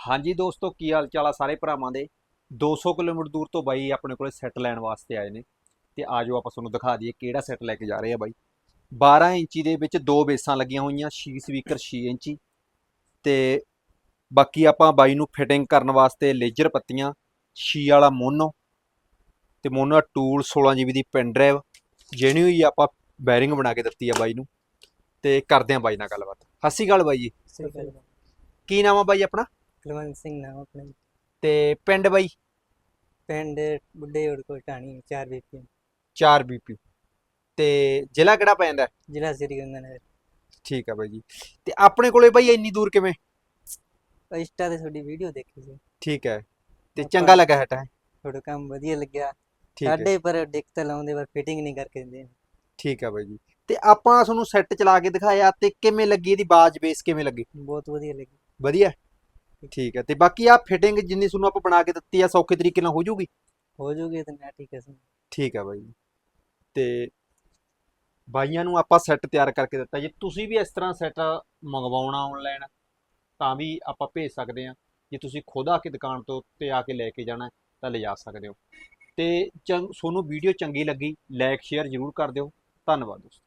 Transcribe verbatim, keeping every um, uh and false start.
ਹਾਂਜੀ ਦੋਸਤੋ, ਕੀ ਹਾਲ ਚਾਲ ਆ ਸਾਰੇ ਭਰਾਵਾਂ ਦੇ। ਦੋ ਸੌ ਕਿਲੋਮੀਟਰ ਦੂਰ ਤੋਂ ਬਾਈ ਆਪਣੇ ਕੋਲੇ ਸੈੱਟ ਲੈਣ ਵਾਸਤੇ ਆਏ ਨੇ। ਤੇ ਆਜੋ ਆਪਾਂ ਤੁਹਾਨੂੰ ਦਿਖਾ ਦਈਏ ਕਿਹੜਾ ਸੈੱਟ ਲੈ ਕੇ ਜਾ ਰਹੇ ਆ ਬਾਈ। ਬਾਰਾਂ ਇੰਚੀ ਦੇ ਵਿੱਚ ਦੋ ਬੇਸਾਂ ਲੱਗੀਆਂ ਹੋਈਆਂ, ਛੇ ਸਪੀਕਰ ਛੇ ਇੰਚੀ। ਤੇ ਬਾਕੀ ਆਪਾਂ ਬਾਈ ਨੂੰ ਫਿਟਿੰਗ ਕਰਨ ਵਾਸਤੇ ਲੇਜਰ ਪੱਤੀਆਂ, ਛੇ ਵਾਲਾ ਮੋਨੋ ਤੇ ਮੋਨੋ ਦਾ ਟੂਲ, ਸੋਲਾਂ ਜੀਬੀ ਦੀ ਪੈਨ ਡਰਾਈਵ ਜਿਹੜੀ ਹੋਈ ਆਪਾਂ ਬੈਰਿੰਗ ਬਣਾ ਕੇ ਦਿੱਤੀ ਆ ਬਾਈ ਨੂੰ। ਤੇ ਕਰਦੇ ਆ ਬਾਈ ਨਾਲ ਗੱਲਬਾਤ। ਸਤਿ ਸ਼੍ਰੀ ਅਕਾਲ ਬਾਈ ਜੀ। ਸਹੀ ਗੱਲ ਹੈ। ਕੀ ਨਾਮ ਆ ਬਾਈ ਆਪਣਾ ਕੁਲਵੰਤ ਸਿੰਘ ਨਾਮ ਆਪਣਾ ਜੀ। ਤੇ ਪਿੰਡ ਬਾਈ? ਪਿੰਡ ਬੁੱਢੇ ਔੜ ਕੋਲ ਢਾਣੀ ਚਾਰ ਬੀਪੀ, ਚਾਰ ਬੀਪੀ। ਤੇ ਜ਼ਿਲ੍ਹਾ ਕਿਹੜਾ ਪੈ ਜਾਂਦਾ? ਜ਼ਿਲ੍ਹਾ ਸ੍ਰੀ ਗੰਗਾਨਗਰ। ਠੀਕ ਆ ਬਾਈ ਜੀ। ਤੇ ਆਪਣੇ ਕੋਲੇ ਬਾਈ ਇੰਨੀ ਦੂਰ ਕਿਵੇਂ? ਇੰਸਟਾ ਤੇ ਤੁਹਾਡੀ ਵੀਡੀਓ ਦੇਖੀ ਸੀ। ਠੀਕ ਹੈ। ਤੇ ਆਪਾਂ ਚੰਗਾ ਲੱਗਾ ਹੈ ਤਾਂ? ਤੁਹਾਡਾ ਕੰਮ ਵਧੀਆ ਲੱਗਿਆ ਠੀਕ ਹੈ। ਸਾਡੇ, ਪਰ ਦਿੱਕਤ ਲਾਉਂਦੇ ਪਰ ਫਿਟਿੰਗ ਨਹੀਂ ਕਰਕੇ ਦਿੰਦੇ। ਠੀਕ ਆ ਬਾਈ ਜੀ। ਤੇ ਆਪਾਂ ਤੁਹਾਨੂੰ ਸੈੱਟ ਚਲਾ ਕੇ ਦਿਖਾਇਆ ਤੇ ਕਿਵੇਂ ਲੱਗੀ, ਇਹਦੀ ਬਾਜ ਬੇਸ ਕਿਵੇਂ ਲੱਗੀ? ਬਹੁਤ ਵਧੀਆ ਲੱਗੀ। ਵਧੀਆ। ਠੀਕ ਹੈ। ਤੇ ਬਾਕੀ ਆ ਫਿਟਿੰਗ ਜਿੰਨੀ ਤੁਹਾਨੂੰ ਆਪਾਂ ਬਣਾ ਕੇ ਦਿੱਤੀ ਆ ਸੌਖੇ ਤਰੀਕੇ ਨਾਲ ਹੋ ਜੂਗੀ? ਹੋ ਜੂਗੀ ਤਾਂ ਮੈਂ ਠੀਕ ਹੈ ਸਰ। ਠੀਕ ਆ ਬਾਈ ਜੀ। ਤੇ ਬਾਈਆਂ ਨੂੰ ਆਪਾਂ ਸੈੱਟ ਤਿਆਰ ਕਰਕੇ ਦਿੱਤਾ। ਜੇ ਤੁਸੀਂ ਵੀ ਇਸ ਤਰ੍ਹਾਂ ਸੈੱਟ ਮੰਗਵਾਉਣਾ ਆਨਲਾਈਨ ਤਾਂ ਵੀ ਆਪਾਂ ਭੇਜ ਸਕਦੇ ਹਾਂ। ਜੇ ਤੁਸੀਂ ਖੁਦ ਆ ਕੇ ਦੁਕਾਨ ਤੋਂ ਉੱਤੇ ਆ ਕੇ ਲੈ ਕੇ ਜਾਣਾ ਤਾਂ ਲਿਜਾ ਸਕਦੇ ਹੋ। ਤੇ ਚੰਗ ਤੁਹਾਨੂੰ ਵੀਡੀਓ ਚੰਗੀ ਲੱਗੀ, ਲਾਈਕ ਸ਼ੇਅਰ ਜ਼ਰੂਰ ਕਰ ਦਿਓ। ਧੰਨਵਾਦ ਦੋਸਤੋ।